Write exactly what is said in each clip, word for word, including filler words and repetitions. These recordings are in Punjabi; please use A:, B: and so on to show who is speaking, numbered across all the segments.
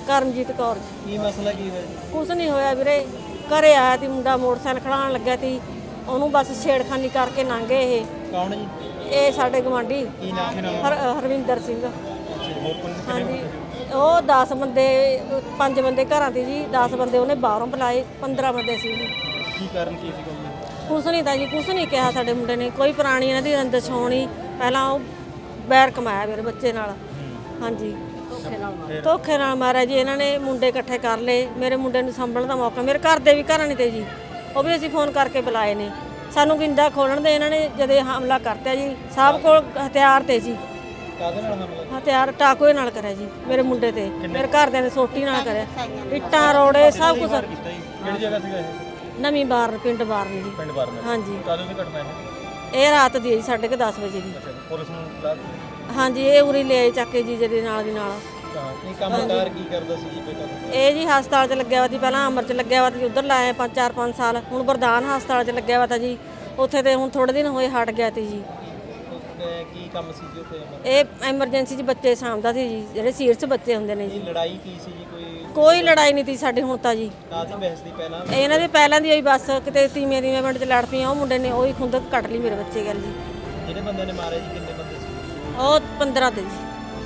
A: ਕਰਮਜੀਤ ਕੌਰ ਜੀ।
B: ਕੀ ਮਸਲਾ ਕੀ ਹੋਇਆ?
A: ਕੁਛ ਨਹੀਂ ਹੋਇਆ ਵੀਰੇ, ਘਰੇ ਆਇਆ ਤੀ ਮੁੰਡਾ, ਮੋਟਰਸਾਈਕਲ ਖੜਾਉਣ ਲੱਗਿਆ ਤੀ, ਉਹਨੂੰ ਬਸ ਛੇੜਖਾਨੀ ਕਰਕੇ ਲੰਘ ਗਏ ਇਹ।
B: ਕੌਣ ਜੀ?
A: ਇਹ ਸਾਡੇ ਗਵਾਂਢੀ
B: ਕੀ ਨਾਮ ਹੈ?
A: ਹਰ ਹਰਵਿੰਦਰ ਸਿੰਘ।
B: ਹੋਰ ਕੋਣ?
A: ਹਾਂਜੀ, ਉਹ ਦਸ ਬੰਦੇ, ਪੰਜ ਬੰਦੇ ਘਰਾਂ ਤੇ ਜੀ, ਦਸ ਬੰਦੇ ਉਹਨੇ ਬਾਹਰੋਂ ਬੁਲਾਏ, ਪੰਦਰਾਂ ਬੰਦੇ ਸੀ ਜੀ।
B: ਕੀ ਕਾਰਨ ਕੀ ਸੀ ਕੋਈ?
A: ਕੁਛ ਨਹੀਂ ਤਾਂ ਜੀ, ਕੁਛ ਨਹੀਂ ਕਿਹਾ ਸਾਡੇ ਮੁੰਡੇ ਨੇ, ਕੋਈ ਪੁਰਾਣੀ ਇਹਨਾਂ ਦੀ ਰੰਜਿਸ਼ ਹੋਣੀ, ਪਹਿਲਾਂ ਉਹ ਬੈਰ ਕਮਾਇਆ ਮੇਰੇ ਬੱਚੇ ਨਾਲ। ਹਾਂਜੀ, ਧੋਖੇ ਨਾਲ ਮਾਰਿਆ ਜੀ ਇਹਨਾਂ ਨੇ। ਮੁੰਡੇ ਇਕੱਠੇ ਕਰ ਲਏ, ਮੇਰੇ ਮੁੰਡੇ ਨੂੰ ਸੰਭਲਣ ਦਾ ਮੌਕਾ, ਮੇਰੇ ਘਰ ਦੇ ਵੀ ਘਰਾਂ ਨਹੀਂ ਤੇ ਜੀ, ਉਹ ਵੀ ਅਸੀਂ ਫੋਨ ਕਰਕੇ ਬੁਲਾਏ ਨੇ। ਸਾਨੂੰ ਗਿੰਦਾ ਖੋਲਣ ਦੇ ਇਹਨਾਂ ਨੇ ਜਦੇ ਹਮਲਾ ਕਰਤਾ ਜੀ। ਸਭ ਕੋਲ ਹਥਿਆਰ ਤੇ ਜੀ।
B: ਕਾਹਦੇ ਨਾਲ ਹਮਲਾ?
A: ਹਥਿਆਰ ਟਾਕੂਏ ਨਾਲ ਕਰਿਆ ਜੀ ਮੇਰੇ ਮੁੰਡੇ ਤੇ, ਮੇਰੇ ਘਰਦਿਆਂ ਨੇ ਸੋਟੀ ਨਾਲ ਕਰਿਆ, ਇੱਟਾਂ ਰੋੜੇ ਸਭ ਕੁਝ।
B: ਕਿਹੜੀ ਜਗ੍ਹਾ ਸੀਗਾ ਇਹ?
A: ਨਵੀਂ ਬਾਰਨ, ਪਿੰਡ ਬਾਰਨ ਜੀ।
B: ਪਿੰਡ ਬਾਰਨ।
A: ਹਾਂਜੀ,
B: ਕਦੋਂ ਦੀ ਘਟਨਾ ਇਹ?
A: ਇਹ ਰਾਤ ਦੀ ਹੈ ਜੀ, ਸਾਢੇ ਕੁ ਦਸ ਵਜੇ ਦੀ।
B: ਪੁਲਿਸ ਨੂੰ ਬੁਲਾ ਦਿੱਤੀ?
A: ਹਾਂਜੀ, ਇਹ ਉਰੀ ਲੈ ਆਏ ਚੱਕ ਕੇ ਜੀ ਜਦੇ ਨਾਲ ਦੀ ਨਾਲ।
B: ਇਹ ਕੰਮਕਾਰ ਕੀ ਕਰਦਾ ਸੀ ਜੀ ਬੇਟਾ?
A: ਇਹ ਜੀ ਹਸਪਤਾਲ 'ਚ ਲੱਗਿਆ ਵਾ ਸੀ, ਪਹਿਲਾਂ ਅਮਰ 'ਚ ਲੱਗਿਆ ਵਾ ਸੀ, ਉੱਧਰ ਲਾਇਆ ਪੰਜ ਚਾਰ ਪੰਜ ਸਾਲ। ਹੁਣ ਬਰਦਾਨ ਹਸਪਤਾਲ 'ਚ ਲੱਗਿਆ ਵਾ ਤਾ ਜੀ, ਉੱਥੇ ਤੇ ਹੁਣ ਥੋੜੇ ਦਿਨ ਹੋਏ ਹਟ ਗਿਆ ਤੀ ਜੀ।
B: ਕੀ ਕੰਮ ਸੀ ਜੀ ਉੱਥੇ?
A: ਇਹ ਐਮਰਜੈਂਸੀ 'ਚ ਬੱਚੇ ਸਾਂਭਦਾ ਸੀ ਜੀ, ਜਿਹੜੇ ਸੀਰੀਅਸ ਬੱਚੇ ਹੁੰਦੇ ਨੇ ਜੀ।
B: ਲੜਾਈ ਕੀ ਸੀ ਜੀ? ਕੋਈ
A: ਕੋਈ ਲੜਾਈ ਨਹੀਂ ਤੀ ਸਾਡੇ ਹੁਣ ਤਾਂ ਜੀ।
B: ਕਾਹਦੀ ਬਹਿਸ ਦੀ ਪਹਿਲਾਂ?
A: ਇਹਨਾਂ ਦੀ ਪਹਿਲਾਂ ਦੀ ਹੋਈ ਬਸ, ਕਿਤੇ ਤੀਵੇਂ ਤੀਵੇਂ ਪਿੰਡ 'ਚ ਲੜ ਪਈਆਂ, ਉਹ ਮੁੰਡੇ ਨੇ ਉਹੀ ਖੁੰਦਕ ਕੱਟ ਲਈ ਮੇਰੇ ਬੱਚੇ ਗੱਲ ਜੀ।
B: ਜਿਹੜੇ ਬੰਦੇ ਨੇ ਮਾਰਿਆ ਜੀ ਕਿੰਨੇ ਬੰਦੇ ਸੀ?
A: ਉਹ ਪੰਦਰਾਂ ਤੇ ਜੀ।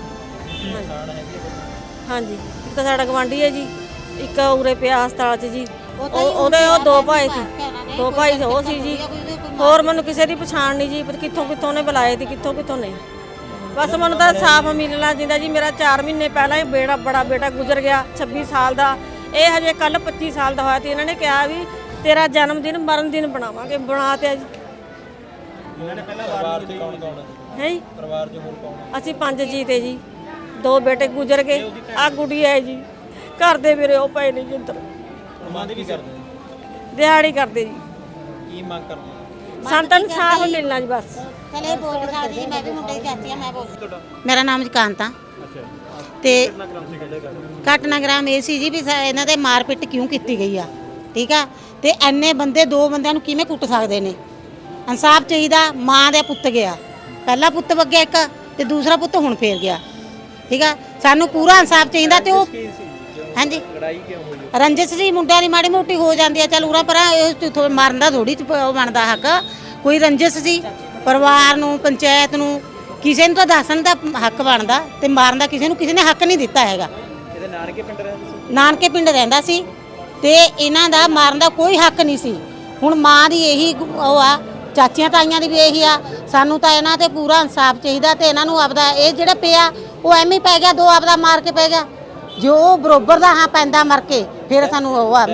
B: ਨੁਕਸਾਨ ਹੈਗੀ ਹੈ?
A: ਹਾਂਜੀ, ਇੱਕ ਤਾਂ ਸਾਡਾ ਗਵਾਂਢੀ ਹੈ ਜੀ, ਇੱਕ ਉਰੇ ਪਿਆ ਹਸਪਤਾਲ 'ਚ ਜੀ। ਉਹ ਉਹਦੇ ਉਹ ਦੋ ਭਾਈ ਸੀ, ਦੋ ਭਾਈ ਉਹ ਸੀ ਜੀ। ਹੋਰ ਮੈਨੂੰ ਕਿਸੇ ਦੀ ਪਛਾਣ ਨਹੀਂ ਜੀ, ਪਰ ਕਿੱਥੋਂ ਕਿੱਥੋਂ ਨੇ ਬੁਲਾਏ ਤੇ ਕਿੱਥੋਂ ਕਿੱਥੋਂ ਨਹੀਂ। ਬਸ ਮੈਨੂੰ ਤਾਂ ਸਾਫ਼ ਮਿਲਣਾ ਜਿੰਦਾ ਜੀ। ਮੇਰਾ ਚਾਰ ਮਹੀਨੇ ਪਹਿਲਾਂ ਹੀ ਬੇੜਾ ਬੜਾ ਬੇਟਾ ਗੁਜ਼ਰ ਗਿਆ, ਛੱਬੀ ਸਾਲ ਦਾ। ਇਹ ਹਜੇ ਕੱਲ ਪੱਚੀ ਸਾਲ ਦਾ ਹੋਇਆ ਤੇ ਇਹਨਾਂ ਨੇ ਕਿਹਾ ਵੀ ਤੇਰਾ ਜਨਮ ਦਿਨ ਮਰਨ ਦਿਨ ਬਣਾਵਾਂਗੇ, ਬਣਾ ਤੇ ਜੀ।
B: ਇਹਨਾਂ ਨੇ ਪਹਿਲਾਂ ਪਰਿਵਾਰ ਚ ਕੌਣ ਕੌਣ
A: ਹੈ ਜੀ?
B: ਪਰਿਵਾਰ ਚ ਹੋਰ ਕੌਣ?
A: ਅਸੀਂ ਪੰਜ ਜੀ ਤੇ ਜੀ, ਦੋ ਬੇਟੇ ਗੁਜ਼ਰ ਗਏ, ਆ ਗੁੜੀਆ ਹੈ ਜੀ। ਘਰ ਦੇ ਮੇਰੇ ਉਹ ਪਏ ਨੇ ਜੀ ਅੰਦਰ।
B: ਮੰਗ ਕੀ ਕਰਦੇ?
A: ਦਿਹਾੜੀ ਕਰਦੇ ਜੀ।
B: ਕੀ ਮੰਗ ਕਰਦੇ?
A: ਸਾਨੂੰ ਇਨਸਾਫ ਮਿਲਣਾ ਜੀ ਬਸ।
C: ਚਲੇ ਬੋਲ ਸਕਦੀ ਜੀ, ਮੈਂ ਵੀ ਮੁੰਡੇ ਦੀ ਚਾਚੀ ਆ, ਮੈਂ ਬੋਲ।
B: ਤੁਹਾਡਾ?
C: ਮੇਰਾ ਨਾਮ ਜਕਾਂਤ ਆ।
B: ਅੱਛਾ,
C: ਤੇ
B: ਕਿੰਨਾ ਕਰਾਮ ਸੀ ਕੱਢੇ ਕਰ?
C: ਘਟਨਾਕ੍ਰਮ ਇਹ ਸੀ ਜੀ ਵੀ ਸਾ- ਇਹਨਾਂ ਦੇ ਮਾਰਪਿੱਟ ਕਿਉਂ ਕੀਤੀ ਗਈ ਆ, ਠੀਕ ਆ। ਤੇ ਐਨੇ ਬੰਦੇ, ਦੋ ਬੰਦਿਆਂ ਨੂੰ ਕਿਵੇਂ ਕੁੱਟ ਸਕਦੇ ਨੇ? ਇਨਸਾਫ ਚਾਹੀਦਾ। ਮਾਂ ਦਾ ਪੁੱਤ ਗਿਆ, ਪਹਿਲਾ ਪੁੱਤ ਵਗਿਆ ਇੱਕ, ਤੇ ਦੂਸਰਾ ਪੁੱਤ ਹੁਣ ਫੇਰ ਗਿਆ, ਠੀਕ ਆ। ਸਾਨੂੰ ਪੂਰਾ ਇਨਸਾਫ ਚਾਹੀਦਾ। ਤੇ ਉਹ ਹਾਂਜੀ,
B: ਲੜਾਈ ਕਿਉਂ ਹੋਈ?
C: ਰੰਜਿਸ਼ ਜੀ ਮੁੰਡਿਆਂ ਦੀ ਮਾੜੀ ਮੋਟੀ ਹੋ ਜਾਂਦੀ ਆ, ਚੱਲ ਉਰਾ ਪਰਾਂ ਇਹ ਮਾਰਨ ਦਾ ਥੋੜੀ ਉਹ ਬਣਦਾ ਹੱਕ। ਕੋਈ ਰੰਜਿਸ਼ ਸੀ ਪਰਿਵਾਰ ਨੂੰ, ਪੰਚਾਇਤ ਨੂੰ, ਕਿਸੇ ਨੂੰ ਤਾਂ ਦੱਸਣ ਦਾ ਹੱਕ ਬਣਦਾ, ਤੇ ਮਾਰਨ ਦਾ ਕਿਸੇ ਨੂੰ ਕਿਸੇ ਨੇ ਹੱਕ ਨਹੀਂ ਦਿੱਤਾ ਹੈਗਾ।
B: ਇਹਦੇ ਨਾਨਕੇ ਪਿੰਡ ਰਹਿੰਦੇ ਸੀ?
C: ਨਾਨਕੇ ਪਿੰਡ ਰਹਿੰਦਾ ਸੀ, ਤੇ ਇਹਨਾਂ ਦਾ ਮਾਰਨ ਦਾ ਕੋਈ ਹੱਕ ਨਹੀਂ ਸੀ। ਹੁਣ ਮਾਂ ਦੀ ਇਹੀ ਉਹ ਆ, ਚਾਚੀਆਂ ਤਾਈਆਂ ਦੀ ਵੀ ਇਹੀ ਆ। ਸਾਨੂੰ ਤਾਂ ਇਹਨਾਂ ਤੇ ਪੂਰਾ ਇਨਸਾਫ ਚਾਹੀਦਾ। ਤੇ ਇਹਨਾਂ ਨੂੰ ਆਪਦਾ ਇਹ ਜਿਹੜਾ ਪਿਆ ਉਹ ਐਵੇਂ ਹੀ ਪੈ ਗਿਆ, ਦੋ ਆਪਦਾ ਮਾਰ ਕੇ ਪੈ ਗਿਆ। ਜੋ ਬਰੋਬਰ ਦਾ ਹਾਂ ਪੈਂਦਾ ਮਰ ਕੇ, ਫਿਰ ਸਾਨੂੰ ਉਹ ਆ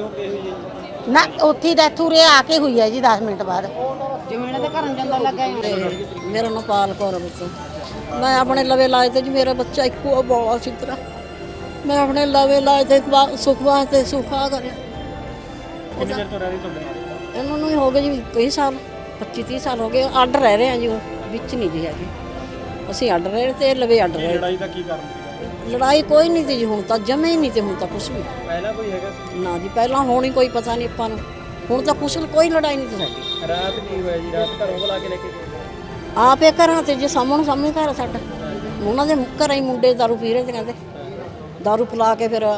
C: ਨਾ ਉੱਥੇ ਡੈਥ ਉਰੇ ਆ ਕੇ ਹੋਈ ਹੈ ਜੀ ਦਸ ਮਿੰਟ ਬਾਅਦ। ਜਿਵੇਂ ਇਹਨਾਂ ਦੇ ਘਰਾਂ ਜਾਂਦਾ ਲੱਗਾ।
A: ਮੇਰਾ ਨਾਮ ਪਾਲ ਕੌਰ ਬੱਚਾ। ਮੈਂ ਆਪਣੇ ਲਵੇ ਲਾਏ ਤੇ ਜੀ, ਮੇਰਾ ਬੱਚਾ ਇੱਕੋ ਬੋਲਾ ਸੀ ਤਰ੍ਹਾਂ। ਮੈਂ ਆਪਣੇ ਲਵੇ ਲਾਏ ਤੇ ਸੁੱਖ ਵਾਸਤੇ ਸੁੱਖਾ ਕਰਿਆ।
B: ਕਿੰਨੇ ਚਿਰ ਤੋਂ ਰਹਿ ਰਹੀ ਤੁਹਾਡੇ?
A: ਇਹਨਾਂ ਨੂੰ ਹੀ ਹੋ ਗਏ ਜੀ ਕਈ ਸਾਲ, ਪੱਚੀ ਤੀਹ ਸਾਲ ਹੋ ਗਏ। ਅੱਡ ਰਹਿ ਰਹੇ ਆ ਜੀ, ਉਹ ਵਿੱਚ ਨਹੀਂ ਜੀ ਹੈਗੇ। ਅਸੀਂ ਅੱਡ ਰਹੇ ਤੇ ਲਵੇ ਅੱਡ ਰਹੇ।
B: ਲੜਾਈ ਦਾ ਕੀ ਕਾਰਨ ਸੀ?
A: ਲੜਾਈ ਕੋਈ ਨਹੀਂ ਤੀ ਜੀ, ਹੁਣ ਤਾਂ ਜਮੇ ਹੀ ਨਹੀਂ ਤੇ ਹੁਣ ਤਾਂ ਕੁਛ ਵੀ
B: ਪਹਿਲਾਂ ਕੋਈ ਹੈਗਾ ਸੀ?
A: ਨਾ ਜੀ, ਪਹਿਲਾਂ ਹੋਣੀ ਕੋਈ ਪਤਾ ਨਹੀਂ ਆਪਾਂ ਨੂੰ। ਹੁਣ ਤਾਂ ਕੁਛ ਕੋਈ ਲੜਾਈ ਨਹੀਂ ਤੀ ਸਾਡੀ।
B: ਰਾਤ ਕੀ ਹੋਇਆ ਜੀ? ਰਾਤ ਘਰੋਂ ਬੁਲਾ ਕੇ ਲੈ ਕੇ ਗਏ?
A: ਆਪੇ ਘਰਾਂ ਤੇ ਜੇ ਸਾਹਮਣੇ ਸਾਹਮਣੇ ਘਰ ਆ ਸਾਡਾ, ਉਹਨਾਂ ਦੇ ਘਰਾਂ ਹੀ ਮੁੰਡੇ ਦਾਰੂ ਪੀ ਰਹੇ ਤੇ ਕਹਿੰਦੇ ਦਾਰੂ ਪਿਲਾ ਕੇ ਫਿਰ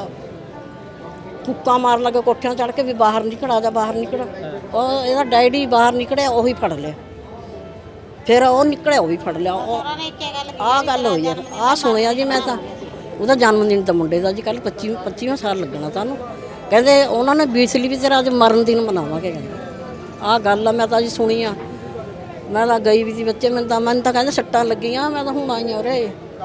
A: ਫੁੱਕਾਂ ਮਾਰਨ ਲੱਗੇ ਕੋਠਿਆਂ ਚੜ੍ਹ ਕੇ ਵੀ ਬਾਹਰ ਨਿਕਲ ਜਾ, ਬਾਹਰ ਨਿਕਲ। ਉਹ ਇਹਦਾ ਡੈਡੀ ਬਾਹਰ ਨਿਕਲਿਆ, ਉਹੀ ਫੜ ਲਿਆ। ਫਿਰ ਉਹ ਨਿਕਲਿਆ, ਉਹ ਵੀ ਫੜ ਲਿਆ। ਉਹ ਆਹ ਗੱਲ ਹੋਈ ਯਾਰ, ਆਹ ਸੁਣਿਆ ਜੀ ਮੈਂ ਤਾਂ। ਉਹਦਾ ਜਨਮ ਦਿਨ ਤਾਂ ਮੁੰਡੇ ਦਾ ਜੀ ਕੱਲ੍ਹ ਪੱਚੀ ਪੱਚੀਵਾਂ ਸਾਲ ਲੱਗਣਾ ਤੁਹਾਨੂੰ। ਕਹਿੰਦੇ ਉਹਨਾਂ ਨੇ ਬੀਸ ਲਈ ਵੀ ਤੇਰਾ ਅੱਜ ਮਰਨ ਦਿਨ ਮਨਾਵਾਂਗੇ, ਕਹਿੰਦੇ। ਆਹ ਗੱਲ ਆ, ਮੈਂ ਤਾਂ ਜੀ ਸੁਣੀ ਆ। ਮੈਂ ਤਾਂ ਗਈ ਵੀ ਸੀ ਬੱਚੇ, ਮੈਨੂੰ ਤਾਂ ਮੈਨੂੰ ਤਾਂ ਕਹਿੰਦੇ ਸੱਟਾਂ ਲੱਗੀਆਂ। ਮੈਂ ਤਾਂ ਹੁਣ ਆਈ ਹਾਂ ਉਰੇ।